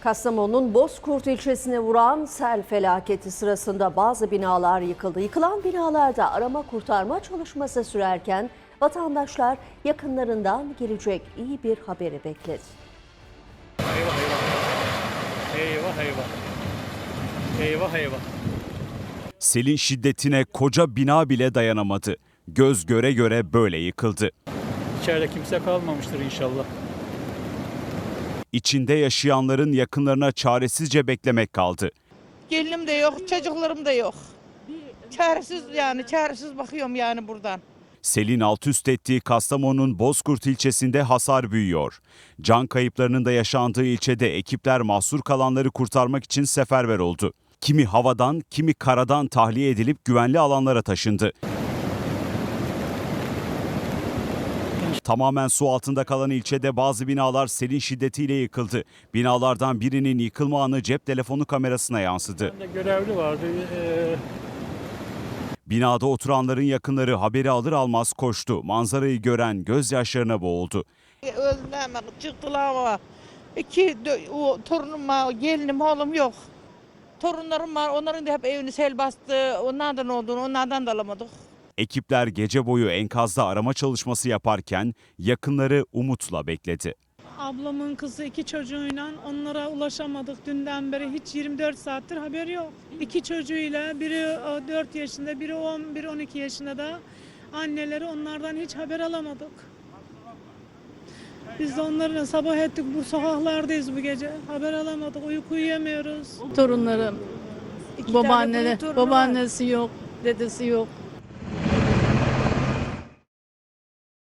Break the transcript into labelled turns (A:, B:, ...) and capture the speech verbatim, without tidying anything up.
A: Kastamonu'nun Bozkurt ilçesine vuran sel felaketi sırasında bazı binalar yıkıldı. Yıkılan binalarda arama kurtarma çalışması sürerken vatandaşlar yakınlarından gelecek iyi bir haberi bekledi.
B: Eyvah eyvah. Eyvah eyvah. Eyvah eyvah.
C: Selin şiddetine koca bina bile dayanamadı. Göz göre göre böyle yıkıldı.
B: İçeride kimse kalmamıştır inşallah.
C: İçinde yaşayanların yakınlarına çaresizce beklemek kaldı.
D: Gelinim de yok, çocuklarım da yok. Çaresiz yani, çaresiz bakıyorum yani buradan.
C: Selin alt üst ettiği Kastamonu'nun Bozkurt ilçesinde hasar büyüyor. Can kayıplarının da yaşandığı ilçede ekipler mahsur kalanları kurtarmak için seferber oldu. Kimi havadan, kimi karadan tahliye edilip güvenli alanlara taşındı. Tamamen su altında kalan ilçede bazı binalar selin şiddetiyle yıkıldı. Binalardan birinin yıkılma anı cep telefonu kamerasına yansıdı.
B: Bende görevli vardı. Ee...
C: Binada oturanların yakınları haberi alır almaz koştu. Manzarayı gören gözyaşlarına boğuldu.
D: Öldüler hemen çıktılar ama iki o, torunum var, gelinim oğlum yok. Torunlarım var, onların da hep evini sel bastı. Onlardan olduğunu, onlardan da alamadık.
C: Ekipler gece boyu enkazda arama çalışması yaparken yakınları umutla bekledi.
E: Ablamın kızı iki çocuğuyla onlara ulaşamadık. Dünden beri hiç yirmi dört saattir haber yok. İki çocuğuyla biri dört yaşında, biri on, biri on iki yaşında da anneleri onlardan hiç haber alamadık. Biz de onlarla sabah ettik, bu sokaklardayız bu gece. Haber alamadık, uyku uyuyamıyoruz.
F: Torunlarım,
D: İki tane
F: babaanneler,
D: torunu var.
F: babaannesi yok, dedesi yok.